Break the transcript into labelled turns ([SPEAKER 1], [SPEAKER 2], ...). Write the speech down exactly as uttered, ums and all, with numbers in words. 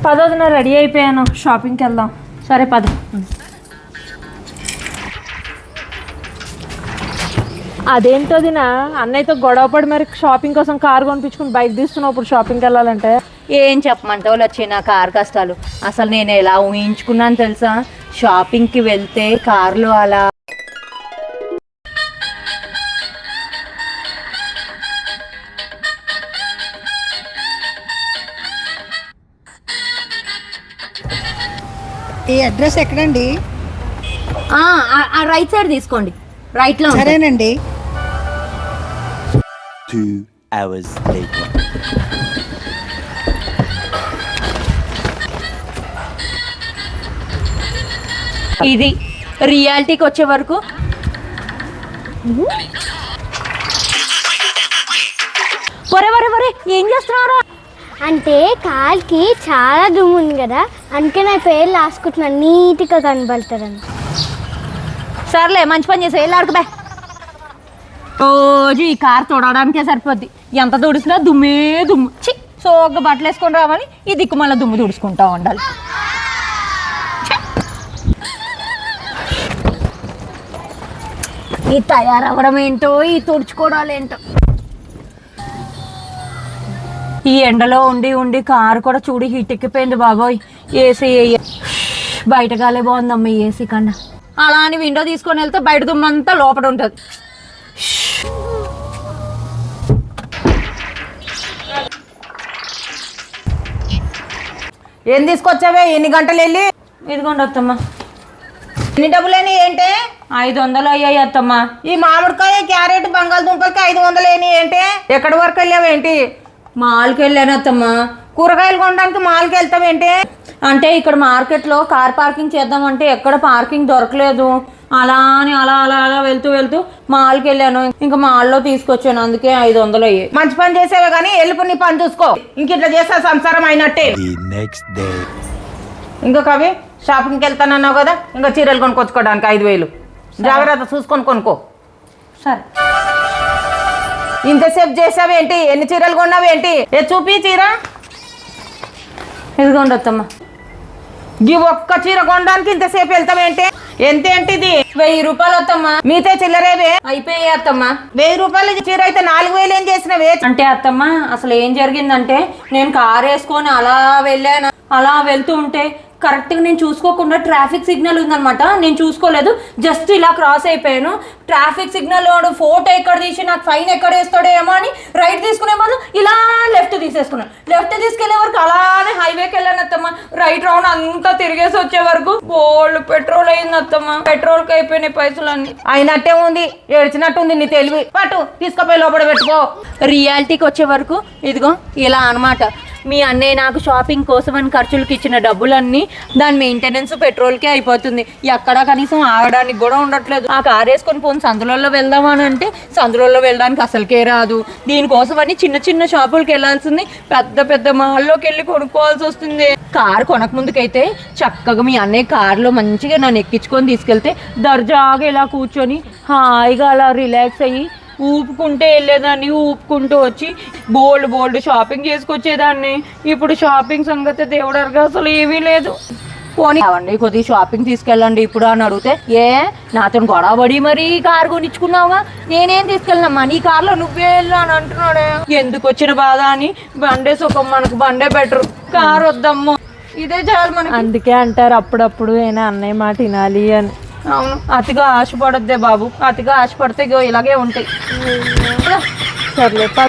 [SPEAKER 1] పదోదిన ready అయిపోయాను, షాపింగ్కి వెళ్దాం.
[SPEAKER 2] సరే పద.
[SPEAKER 1] అదేంటో దినా అన్నయ్యతో గొడవపడి మరి షాపింగ్ కోసం కారు కొనిపించుకుని బైక్ తీస్తున్నావు. ఇప్పుడు షాపింగ్కి వెళ్ళాలంటే
[SPEAKER 2] ఏం చెప్పమంటావు వచ్చి నా కార్ కష్టాలు. అసలు నేను ఎలా ఊహించుకున్నాను తెలుసా? షాపింగ్కి వెళ్తే కార్లో అలా
[SPEAKER 3] ఈ అడ్రస్ ఎక్కడండి?
[SPEAKER 2] రైట్ సైడ్ తీసుకోండి, రైట్ లో.
[SPEAKER 3] సరేనండి.
[SPEAKER 4] Two hours later.
[SPEAKER 2] ఇది రియాలిటీకి వచ్చే వరకు వరే వరే వరే ఏం చేస్తున్నారా?
[SPEAKER 5] అంటే కాల్కి చాలా దుమ్ము ఉంది కదా, అందుకే నా పేరు రాసుకుంటున్నాను, నీట్గా కనబడతారని.
[SPEAKER 2] సర్లే మంచి పని చేసా, వెళ్ళాడుకు బే. రోజు ఈ కార్ తొడడానికే సరిపోద్ది, ఎంత తుడిసినా దుమ్మే దుమ్ము. చి సోగ్గా బట్టలు వేసుకొని రావాలి, ఈ దిక్కు మళ్ళీ దుమ్ము తుడుచుకుంటా ఉండాలి. ఈ తయారవ్వడం ఏంటో, ఈ తుడుచుకోవడాలు ఏంటో. ఈ ఎండలో ఉండి ఉండి కారు కూడా చూడి హీట్ ఎక్కిపోయింది బాబోయ్. ఏసీ బయట గాలే బాగుందమ్మా ఈ ఏసీ కన్నా. అలా అని విండో తీసుకొని వెళ్తే బయట దుమ్మంతా లోపల ఉంటుంది.
[SPEAKER 6] ఏం తీసుకొచ్చావే? ఎన్ని గంటలు వెళ్ళి?
[SPEAKER 2] ఇదిగోండి అత్తమ్మ.
[SPEAKER 6] ఎన్ని డబ్బులేని ఏంటి?
[SPEAKER 2] ఐదు వందలు అయ్యాయి అత్తమ్మ.
[SPEAKER 6] ఈ మామిడికాయ, క్యారెట్, బంగాళదుంపలకి ఐదు వందలు ఏని ఏంటి? ఎక్కడి వరకు వెళ్ళావేంటి?
[SPEAKER 2] మాల్కి వెళ్ళాను అత్తమ్మ.
[SPEAKER 6] కూరగాయలు కొనడానికి మాల్కి వెళ్తావేంటి?
[SPEAKER 2] అంటే ఇక్కడ మార్కెట్లో కార్ పార్కింగ్ చేద్దామంటే ఎక్కడ పార్కింగ్ దొరకలేదు. అలా అని అలా అలా అలా వెళ్తూ వెళ్తూ మాల్కి వెళ్ళాను. ఇంకా మాల్లో తీసుకొచ్చాను, అందుకే ఐదు వందలు అయ్యాయి.
[SPEAKER 6] మంచి పని చేసేవే కానీ వెళ్ళిపో, నీ పని చూసుకో. ఇంక ఇట్లా చేస్తే సంసారం అయినట్టే.
[SPEAKER 4] The next day.
[SPEAKER 6] ఇంకా కవి షాపింగ్కి వెళ్తానన్నావు కదా, ఇంకా చీరలు కొనుక్కొచ్చుకోవడానికి ఐదు వేలు జాగ్రత్త చూసుకొని కొనుక్కో.
[SPEAKER 2] సరే.
[SPEAKER 6] ఇంతసేపు చేసావేంటి? ఎన్ని చీరలు కొన్నావేంటి? ఏ చూపి చీర.
[SPEAKER 2] ఇదిగోండి అత్తమ్మ.
[SPEAKER 6] ఈ ఒక్క చీర కొనడానికి ఇంతసేపు వెళ్తావేంటి? ఎంత ఏంటి ఇది?
[SPEAKER 2] వెయ్యి రూపాయలు అత్తమ్మ.
[SPEAKER 6] మీతే చిల్లరేవే
[SPEAKER 2] అయిపోయాయి అత్తమ్మ.
[SPEAKER 6] వెయ్యి రూపాయల చీర అయితే నాలుగు వేలు ఏం చేసినవే?
[SPEAKER 2] అంటే అత్తమ్మ అసలు ఏం జరిగిందంటే, నేను కార్ వేసుకొని అలా వెళ్ళాను. అలా వెళ్తూ ఉంటే కరెక్ట్గా నేను చూసుకోకుండా ట్రాఫిక్ సిగ్నల్ ఉందనమాట, నేను చూసుకోలేదు. జస్ట్ ఇలా క్రాస్ అయిపోయాను. ట్రాఫిక్ సిగ్నల్ వాడు ఫోటో ఎక్కడ తీసి నాకు ఫైన్ ఎక్కడ వేస్తాడో ఏమో అని రైట్ తీసుకునే వాళ్ళు ఇలా లెఫ్ట్ తీసేసుకున్నాను. లెఫ్ట్ తీసుకెళ్లే వరకు అలానే హైవేకి వెళ్ళాను అత్తమ్మ. రైట్ రౌండ్ అంతా తిరిగేసి వచ్చే వరకు బోల్డ్ పెట్రోల్ అయింది అత్తమ్మ. పెట్రోల్కి అయిపోయినాయి పైసలు అన్ని.
[SPEAKER 6] అయినట్టే ఉంది, ఏడ్చినట్టుంది నీ తెలివి. పట్టు తీసుకుపోయి లోపల పెట్టుకో.
[SPEAKER 2] రియాలిటీకి వచ్చే వరకు ఇదిగో ఇలా అనమాట. మీ అన్నయ్య నాకు షాపింగ్ కోసం అని ఖర్చులకి ఇచ్చిన డబ్బులన్నీ దాని మెయింటెనెన్స్ పెట్రోల్కే అయిపోతుంది. ఎక్కడా కనీసం ఆగడానికి కూడా ఉండట్లేదు. ఆ కార్ వేసుకొని పోను సందులలో వెళ్దామని అంటే సందులలో వెళ్ళడానికి అసలుకే రాదు. దీనికోసం అని చిన్న చిన్న షాపులకి వెళ్ళాల్సింది, పెద్ద పెద్ద మాల్లోకి వెళ్ళి కొనుక్కోవాల్సి వస్తుంది. కార్ కొనక ముందుకైతే చక్కగా మీ అన్నయ్య కార్లో మంచిగా నన్ను ఎక్కించుకొని తీసుకెళ్తే దర్జాగా ఇలా కూర్చొని హాయిగా అలా రిలాక్స్ అయ్యి ఊపుకుంటే వెళ్ళేదాన్ని, ఊపుకుంటూ వచ్చి బోల్డ్ బోల్డ్ షాపింగ్ చేసుకొచ్చేదాన్ని. ఇప్పుడు షాపింగ్ సంగతి దేవుడరుగా అసలు ఏమీ లేదు. పోనీ అవండి కొద్దిగా షాపింగ్ తీసుకెళ్ళండి ఇప్పుడు అని అడిగితే, ఏ నాతో గొడవపడి మరీ కారు కొనిచ్చుకున్నావుగా, నేనేం తీసుకెళ్ళినమ్మా, నీ కార్లో నువ్వే వెళ్ళు అని అంటున్నాడే. ఎందుకు వచ్చిన బాధ అని బండే సుఖం, మనకు బండే బెటర్, కారు వద్దమ్మో, ఇదే చాలు మనకి.
[SPEAKER 1] అందుకే అంటారు అప్పుడప్పుడు అయినా అన్నయ్య మాట వినాలి అని.
[SPEAKER 2] అవును, అతిగా ఆశపడద్దే బాబు, అతిగా ఆశపడితే ఇగో ఇలాగే ఉంటాయి.
[SPEAKER 1] సర్లే.